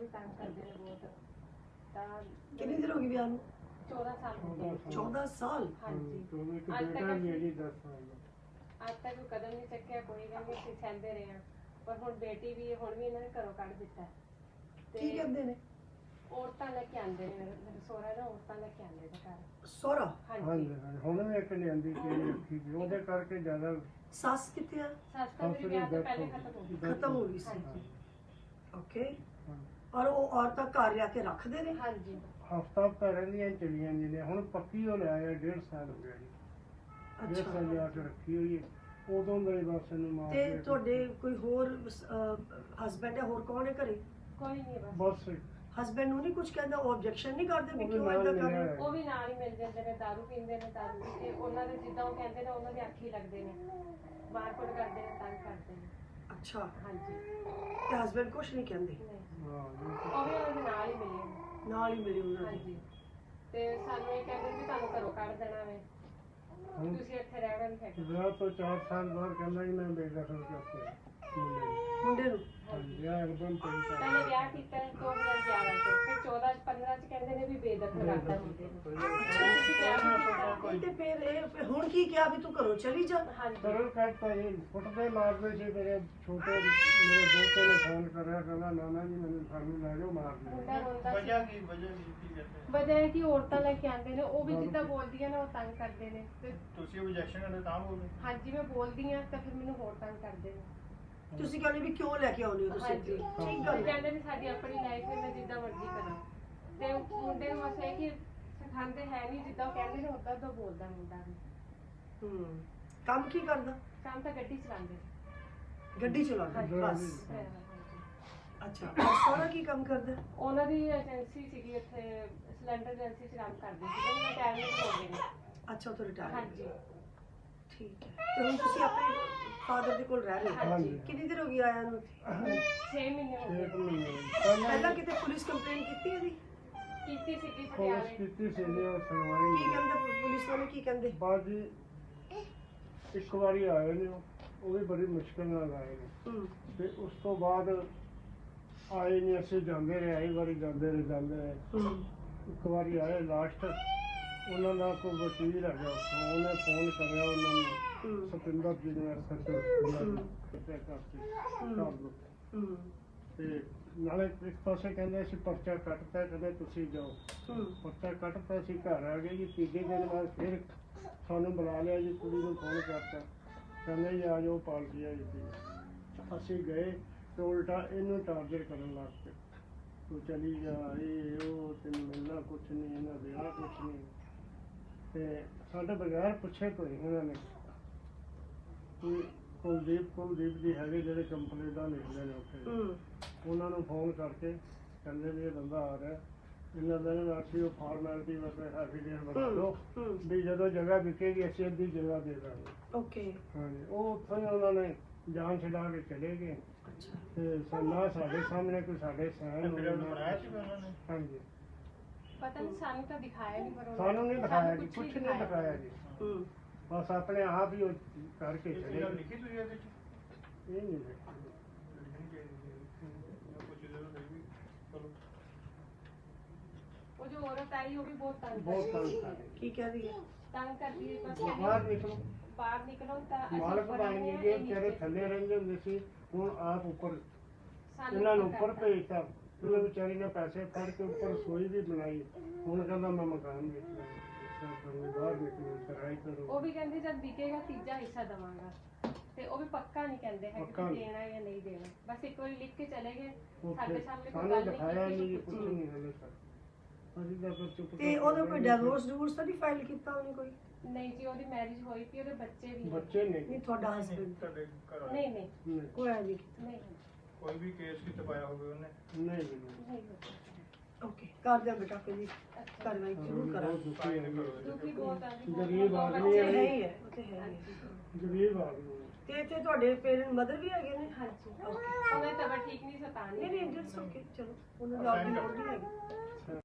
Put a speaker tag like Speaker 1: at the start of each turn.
Speaker 1: भी तंग करते हैं बहुत।
Speaker 2: कितनी देर होगी ब्याह
Speaker 1: 14 साल हो गए।
Speaker 2: 14 साल।
Speaker 1: हाँ जी। आज तक कोई कदम नहीं चक्या, कोई गल नहीं सहंदे रहे हैं। पर हुण बेटी भी हुण भी इन्होंने घरों कढ़ दिता
Speaker 2: की कहंदे ने
Speaker 1: औरतां लेके आंदे ने मेरे सोहरा ना औरतां लेके आंदे ने घर।
Speaker 2: सोहरा
Speaker 1: हाँ
Speaker 3: हाँ
Speaker 1: जी।
Speaker 3: जी ਹੁਣ ਵੀ ਇੱਕ ਲਿਆਂਦੀ ਸੀ ਰੱਖੀ ਸੀ ਉਹਦੇ ਕਰਕੇ ਜ਼ਿਆਦਾ
Speaker 2: सस कितने है?
Speaker 1: सस तो मेरी ब्याह तो पहले खत्म हो गई।
Speaker 2: खत्म हो गई
Speaker 1: हाँ
Speaker 2: सी।
Speaker 1: जी।
Speaker 2: ओके। और वो औरतां घर लिया के रखते ने?
Speaker 1: हाँ जी।
Speaker 3: ਹਫਤਾ ਹਫਤਾ ਰਹਿੰਦੀਆਂ ਚਲੀਆਂ ਜਾਂਦੀਆਂ ਹੁਣ ਪੱਕੀ ਹੋ ਲਿਆ 1.5 ਸਾਲ ਹੋ ਗਿਆ ਜੀ 1.5 ਸਾਲ ਲਿਆ ਕੇ ਰੱਖੀ ਹੋਈ ਹੈ ਉਦੋਂ ਦੇ ਬਸ ਇਹਨੂੰ ਮਾਰ
Speaker 2: ਤੇ ਤੁਹਾਡੇ ਕੋਈ ਹੋਰ ਹਸਬੈਂਡ ਹੈ, ਹੋਰ ਕੌਣ ਹੈ ਘਰੇ?
Speaker 1: कोई नहीं है बस।
Speaker 3: ਬਸ
Speaker 2: ਹਸਬੈਂਡ ਨੂੰ ਨਹੀਂ ਕੁਝ ਕਹਿੰਦਾ, ਉਹ ਆਬਜੈਕਸ਼ਨ ਨਹੀਂ ਕਰਦੇ ਵੀ
Speaker 3: ਉਹ ਵੀ
Speaker 2: ਕਿਉਂ
Speaker 3: ਨਾਲ
Speaker 2: ਇਦਾਂ ਕਰ
Speaker 3: ਮਿਲਿਆ
Speaker 2: ਰਹੇ
Speaker 3: ਹੈ।
Speaker 1: ਉਹ ਵੀ ਨਾਲ ਹੀ ਮਿਲ ਜਾਂਦੇ ਨੇ, ਦਾਰੂ ਪੀਂਦੇ ਨੇ, ਦਾਰੂ ਪੀ ਕੇ ਉਹਨਾਂ ਦੇ ਜਿੱਦਾਂ ਉਹ ਕਹਿੰਦੇ ਨੇ ਉਹਨਾਂ ਦੇ ਅੱਖੀ ਲੱਗਦੇ ਨੇ, ਮਾਰਕੁੱਟ ਕਰਦੇ ਨੇ, ਤੰਗ ਕਰਦੇ ਨੇ।
Speaker 2: ਅੱਛਾ।
Speaker 1: ਹਾਂਜੀ।
Speaker 2: ਤੇ ਹਸਬੈਂਡ ਕੁਝ ਨਹੀਂ ਕਹਿੰਦੇ?
Speaker 1: ਨਹੀਂ,
Speaker 3: ਹਾਂ
Speaker 1: ਉਹ ਵੀ ਉਹਨਾਂ ਦੇ ਨਾਲ ਹੀ ਮਿਲੇ ਨੇ।
Speaker 2: ਨਾਲ ਹੀ ਮਿਲੇ ਉਹਨਾਂ ਦੇ।
Speaker 1: ਹਾਂਜੀ। ਤੇ ਸਾਨੂੰ ਇਹ ਕਹਿੰਦੇ ਵੀ ਤੁਹਾਨੂੰ ਘਰੋਂ ਕੱਢ ਦੇਣਾ ਵੇ, ਤੁਸੀਂ ਇੱਥੇ ਰਹਿਣਾ ਨਹੀਂ ਹੈਗਾ।
Speaker 3: ਵਿਆਹ ਤੋਂ 4 ਸਾਲ ਬਾਅਦ ਕਹਿੰਦਾ ਜੀ ਮੈਂ ਬੇਦਖਲ ਕਰਤਾ
Speaker 2: ਮੁੰਡੇ ਨੂੰ
Speaker 3: ਹਾਂਜੀ ਵਿਆਹ ਇੱਕਦਮ ਪੈਂਦਾ
Speaker 1: ਪਹਿਲੇ ਵਿਆਹ ਕੀਤਾ 2011 ਚ, ਫਿਰ 14 15 ਚ ਕਹਿੰਦੇ ਨੇ ਵੀ ਬੇਦਖਲ ਕਰਤਾ ਮੁੰਡੇ ਨੂੰ। ਤੁਸੀਂ ਵਿਆਹ ਵੀ ਕੀਤਾ।
Speaker 2: ਤੇ ਫਿਰ ਇਹ ਹੁਣ ਕੀ ਕਿਹਾ ਵੀ ਤੂੰ ਘਰੋਂ ਚਲੀ ਜਾ?
Speaker 1: ਹਾਂਜੀ।
Speaker 3: ਸਰਲ ਕਰਤਾ ਜੀ ਫੁੱਟਦੇ ਮਾਰਦੇ ਸੀ ਮੇਰੇ ਛੋਟੇ ਮੇਰੇ ਦੋਤੇ ਨੇ ਫੋਨ ਕਰਿਆ ਕਹਿੰਦਾ ਨਾਨਾ ਜੀ ਮੈਨੂੰ ਸਾਨੂੰ ਲੈ ਜਾਓ ਮਾਰ ਦਿਓ
Speaker 1: ਮੁੰਡਾ ਰੋਂਦਾ ਸੀ।
Speaker 3: ਵਜ੍ਹਾ ਕੀ ਕਹਿੰਦੇ
Speaker 1: ਵਜ੍ਹਾ ਹੈ ਕਿ ਔਰਤਾਂ ਲੈ ਕੇ ਆਉਂਦੇ ਨੇ, ਉਹ ਵੀ ਜਿੱਦਾਂ ਬੋਲਦੀਆਂ ਨੇ ਉਹ ਤੰਗ ਕਰਦੇ ਨੇ। ਤੇ
Speaker 3: ਤੁਸੀਂ ਆਬਜੈਕਸ਼ਨ ਕਰਦੇ ਤਾਂ ਬੋਲਦੇ
Speaker 1: ਹਾਂਜੀ ਮੈਂ ਬੋਲਦੀ ਆ ਤਾਂ ਫਿਰ ਮੈਨੂੰ ਹੋਰ ਤੰਗ ਕਰਦੇ ਨੇ।
Speaker 2: ਤੁਸੀਂ ਕਹਿੰਦੇ ਵੀ ਕਿਉਂ ਲੈ ਕੇ ਆਉਂਦੇ ਹੋ ਤੁਸੀਂ?
Speaker 1: ਹਾਂਜੀ।
Speaker 2: ਠੀਕ
Speaker 1: ਤੇ
Speaker 2: ਗੱਲ ਹੈ।
Speaker 1: ਕਹਿੰਦੇ ਵੀ ਸਾਡੀ ਆਪਣੀ ਲਾਈਫ ਹੈ, ਮੈਂ ਜਿੱਦਾਂ ਮਰਜ਼ੀ ਕਰਾਂ। ਤੇ ਮੁੰਡੇ ਨੂੰ ਬਸ ਇਹ ਕਿ ਸਿਖਾਉਂਦੇ ਹੈ ਨਹੀਂ, ਜਿੱਦਾਂ ਉਹ ਕਹਿੰਦੇ ਨੇ ਉਦਾਂ ਦਾ ਬੋਲਦਾ ਮੁੰਡਾ ਵੀ।
Speaker 2: ਕੰਮ ਕੀ ਕਰਦਾ?
Speaker 1: ਕੰਮ ਤਾਂ ਗੱਡੀ ਚਲਾਉਂਦੇ।
Speaker 2: ਗੱਡੀ ਚਲਾਉਂਦਾ
Speaker 1: ਹਾਂਜੀ।
Speaker 2: ਬਸ।
Speaker 1: ਹਾਂਜੀ।
Speaker 2: ਅੱਛਾ। ਔਰ ਸੋਹਰਾ ਕੀ ਕੰਮ ਕਰਦਾ?
Speaker 1: ਉਹਨਾਂ ਦੀ ਏਜੰਸੀ ਸੀਗੀ ਇੱਥੇ, ਸਿਲੰਡਰ ਏਜੰਸੀ 'ਚ ਕੰਮ ਕਰਦੇ ਸੀ, ਉਹਨਾਂ ਰਿਟਾਇਰਮੈਂਟ ਹੋ ਗਏ ਨੇ।
Speaker 2: ਅੱਛਾ, ਉਹ ਰਿਟਾਇਰ।
Speaker 1: ਹਾਂਜੀ।
Speaker 2: ਠੀਕ ਹੈ। ਤੇ ਹੁਣ ਤੁਸੀਂ ਆਪਣੇ ਫਾਦਰ ਦੇ ਕੋਲ ਰਹਿ ਰਹੇ ਹੋ?
Speaker 1: ਹਾਂਜੀ।
Speaker 2: ਕਿੰਨੀ ਦੇਰ ਹੋ ਗਈ ਆਇਆ ਨੂੰ?
Speaker 1: 6 ਮਹੀਨੇ ਹੋ ਗਏ।
Speaker 2: ਪਹਿਲਾਂ ਕਿਤੇ ਪੁਲਿਸ ਕੰਪਲੇਂਟ ਕੀਤੀ ਇਹਦੀ?
Speaker 1: ਕੀਤੀ ਸੀਗੀ
Speaker 3: ਪੁਲਿਸ
Speaker 1: ਪਟਿਆਲੇ।
Speaker 3: ਕੀਤੀ ਸੀ ਜੀ ਉਹ ਸੁਣਵਾਈ
Speaker 2: ਕੀ ਕਹਿੰਦੇ ਪੁਲਿਸ ਵਾਲੇ, ਕੀ ਕਹਿੰਦੇ?
Speaker 3: ਬਾਅਦ ਜੀ ਇੱਕ ਵਾਰੀ ਆਏ ਨੇ ਉਹ ਵੀ ਬੜੀ ਮੁਸ਼ਕਿਲ ਨਾਲ ਆਏ ਨੇ ਤੇ ਉਸ ਤੋਂ ਬਾਅਦ ਆਏ ਨਹੀਂ, ਅਸੀਂ ਜਾਂਦੇ ਰਹੇ ਆਈ ਵਾਰੀ ਜਾਂਦੇ ਰਹੇ ਇੱਕ ਵਾਰੀ ਆਏ ਲਾਸਟ ਉਹਨਾਂ ਦਾ ਕੋਈ ਵਕੀਲ ਹੈਗਾ ਉਹਨੇ ਫੋਨ ਕਰਿਆ ਉਹਨਾਂ ਨੂੰ ਸਤਿੰਦਰ ਜੀ ਨੇ ਤੇ ਨਾਲੇ ਇੱਕ ਪਾਸੇ ਕਹਿੰਦੇ ਅਸੀਂ ਪਰਚਾ ਕੱਟਤਾ, ਕਹਿੰਦੇ ਤੁਸੀਂ ਜਾਓ। ਪਰਚਾ ਕੱਟਤਾ, ਅਸੀਂ ਘਰ ਆ ਗਏ ਜੀ। ਤੀਜੇ ਦਿਨ ਬਾਅਦ ਫਿਰ ਸਾਨੂੰ ਬੁਲਾ ਲਿਆ ਜੀ, ਕੁੜੀ ਨੂੰ ਫੋਨ ਕਰਤਾ, ਕਹਿੰਦੇ ਜੀ ਆ ਜਾਓ ਪਾਰਟੀ ਆ ਜੀ। ਅਸੀਂ ਗਏ ਤੇ ਉਲਟਾ ਇਹਨੂੰ ਟਾਰਗੇਟ ਕਰਨ ਲੱਗ ਪਏ, ਤੂੰ ਚਲੀ ਜਾ, ਇਹ ਉਹ ਤੈਨੂੰ ਮਿਲਣਾ ਕੁਛ ਨਹੀਂ, ਇਹਨਾਂ ਦੇਣਾ ਕੁਛ ਨਹੀਂ। ਤੇ ਸਾਡੇ ਬਗੈਰ ਪੁੱਛੇ ਤੋਂ ਹੀ ਇਹਨਾਂ ਨੇ ਕੁਲਦੀਪ ਜੀ ਹੈਗੇ ਜਿਹੜੇ ਕੰਪਨੀ ਦਾ ਲਿਖਦੇ ਨੇ ਉੱਥੇ, ਉਹਨਾਂ ਨੂੰ ਫੋਨ ਕਰਕੇ ਕਹਿੰਦੇ ਵੀ ਇਹ ਬੰਦਾ ਆ ਰਿਹਾ, ਇਹਨਾਂ ਦਿਨ ਅਸੀਂ ਉਹ ਫਾਰਮੈਲਿਟੀ ਵਾਸਤੇ ਐਫੀਡੇਵਿਟ ਬਣਾ ਲਓ ਵੀ ਜਦੋਂ ਜਗ੍ਹਾ ਵਿਕੇਗੀ ਅਸੀਂ ਅੱਧੀ ਜਗ੍ਹਾ ਦੇ ਦਾਂਗੇ।
Speaker 2: ਓਕੇ।
Speaker 3: ਹਾਂਜੀ, ਉਹ ਉੱਥੋਂ ਹੀ ਉਹਨਾਂ ਨੇ ਜਾਨ ਛਡਾ ਕੇ ਚਲੇ ਗਏ ਤੇ ਨਾ ਸਾਡੇ ਸਾਹਮਣੇ ਕੋਈ ਸਾਡੇ ਸਾਈਨ ਬਣਾਇਆ ਸੀ ਉਹਨਾਂ ਨੇ। ਹਾਂਜੀ,
Speaker 1: ਪਤਾ ਨਹੀਂ ਸਾਨੂੰ ਤਾਂ ਦਿਖਾਇਆ ਨਹੀਂ, ਪਰ
Speaker 3: ਸਾਨੂੰ ਨਹੀਂ ਦਿਖਾਇਆ ਜੀ, ਕੁਛ ਨਹੀਂ ਦਿਖਾਇਆ ਜੀ। ਬਸ ਆਪਣੇ ਆਪ ਹੀ ਉਹ ਕਰਕੇ ਚਲੇ ਗਏ। ਲਿਖੀ ਤੁਸੀਂ ਇਹਦੇ ਚ ਇਹ ਨਹੀਂ ਲਿਖੀ।
Speaker 1: ਉਹ ਜੋ ਔਰਤ ਆਈ ਉਹ ਵੀ ਬਹੁਤ ਤੰਗ
Speaker 3: ਬਹੁਤ
Speaker 1: ਕਰਦੀ
Speaker 3: ਤੰਗ
Speaker 1: ਹੈ।
Speaker 3: ਕਰ
Speaker 2: ਕੀ ਕਹਿ ਰਹੀ ਹੈ?
Speaker 1: ਤੰਗ ਕਰਦੀ ਹੈ, ਬਸ
Speaker 3: ਬਾਹਰ ਨਿਕਲੋ,
Speaker 1: ਬਾਹਰ ਨਿਕਲੋ ਤਾਂ ਅਸੀਂ
Speaker 3: ਮਾਲਕ
Speaker 1: ਉੱਪਰ
Speaker 3: ਬਣ
Speaker 1: ਆਉਂਦੇ
Speaker 3: ਗਏ
Speaker 1: ਹਾਂ,
Speaker 3: ਜੀ,
Speaker 1: ਇਹ
Speaker 3: ਤੇਰੇ
Speaker 1: ਨੀਚੇ।
Speaker 3: ਥੱਲੇ ਰਹਿੰਦੇ ਹੁੰਦੇ ਸੀ, ਹੁਣ ਆਪ ਉੱਪਰ
Speaker 1: ਸਾਨੂੰ
Speaker 3: ਇਹਨਾਂ ਨੂੰ
Speaker 1: ਉੱਪਰ
Speaker 3: ਉੱਪਰ ਭੇਜਤਾ। ਉਹਨੇ ਵਿਚਾਰੀ ਨੇ ਪੈਸੇ ਫੜ ਕੇ ਉੱਪਰ ਰਸੋਈ ਵੀ ਬਣਾਈ, ਹੁਣ ਕਹਿੰਦਾ ਮੈਂ ਮਕਾਨ ਵੇਚਣਾ, ਬਾਹਰ ਨਿਕਲੋ, ਕਿਰਾਏ ਕਰੋ।
Speaker 1: ਉਹ ਵੀ ਕਹਿੰਦੇ ਜਦ ਵਿਕੇਗਾ ਤੀਜਾ ਹਿੱਸਾ ਦਵਾਂਗਾ, ਤੇ ਉਹ ਵੀ ਪੱਕਾ ਨਹੀਂ ਕਹਿੰਦੇ ਹੈ ਕਿ
Speaker 3: ਪੱਕਾ ਨਹੀਂ।
Speaker 1: ਦੇਣਾ ਜਾਂ ਨਹੀਂ ਦੇਣਾ, ਬਸ ਇੱਕ ਵਾਰੀ ਲਿਖ ਕੇ ਚਲੇ ਗਏ,
Speaker 3: ਉੱਥੇ
Speaker 1: ਸਾਡੇ ਸਾਹਮਣੇ ਕੋਈ
Speaker 3: ਸਾਨੂੰ
Speaker 1: ਗੱਲ
Speaker 3: ਦਿਖਾਇਆ
Speaker 1: ਨਹੀਂ
Speaker 3: ਨਹੀਂ,
Speaker 1: ਕੀਤੀ,
Speaker 3: ਕੁਛ ਨਹੀਂ ਹਲੇ ਤੱਕ। ਅਸੀਂ ਤਾਂ ਫਿਰ ਚੁੱਪ
Speaker 2: ਤੇ ਉਹਦਾ ਕੋਈ ਡਿਵੋਰਸ ਤਾਂ ਨਹੀਂ ਫਾਈਲ ਕੀਤਾ ਉਹਨੇ ਕੋਈ?
Speaker 1: ਨਹੀਂ ਜੀ, ਉਹਦੀ ਮੈਰਿਜ ਹੋਈ ਪਈ, ਉਹਦੇ ਬੱਚੇ ਵੀ ਨੇ।
Speaker 3: ਬੱਚੇ
Speaker 2: ਨਹੀਂ,
Speaker 3: ਨਹੀਂ
Speaker 2: ਤੁਹਾਡਾ ਹਸਬੈਂਡ?
Speaker 1: ਨਹੀਂ ਨਹੀਂ
Speaker 2: ਕੋਈ ਹੈ ਨਹੀਂ।
Speaker 1: ਨਹੀਂ
Speaker 3: ਕੋਈ ਵੀ ਕੇਸ ਕਿਤੇ ਪਾਇਆ ਹੋਵੇ ਉਹਨੇ ਨਹੀਂ
Speaker 1: ਨਹੀਂ
Speaker 2: ਓਕੇ, ਕਰ ਦਿਆਂ ਬੇਟਾ ਕੋਈ ਨਹੀਂ, ਕਾਰਵਾਈ ਜ਼ਰੂਰ ਕਰਾਂ।
Speaker 1: ਦੁਖੀ ਬਹੁਤ ਆ ਜੀ,
Speaker 3: ਗਰੀਬ ਆਦਮੀ
Speaker 2: ਉਹ
Speaker 3: ਹੈ।
Speaker 2: ਹੈ ਹੀ ਹੈ, ਉਹ ਤੇ ਹੈ ਹੀ ਹੈ।
Speaker 3: ਗਰੀਬ ਆਦਮੀ
Speaker 2: ਤੇ ਇੱਥੇ ਤੁਹਾਡੇ ਪੇਰੈਂਟ ਮਦਰ ਵੀ ਹੈਗੇ ਨੇ?
Speaker 1: ਹਾਂਜੀ, ਉਹਨਾਂ ਦੀ ਤਬੀਅਤ ਠੀਕ ਨਹੀਂ, ਸਤਾਨੀ
Speaker 2: ਨਹੀਂ ਨਹੀਂ, ਇਟਸ ਓਕੇ, ਚਲੋ ਉਹਨਾਂ ਦੀ ਆਪਣੀ ਲੋੜ ਨਹੀਂ ਹੈਗੀ।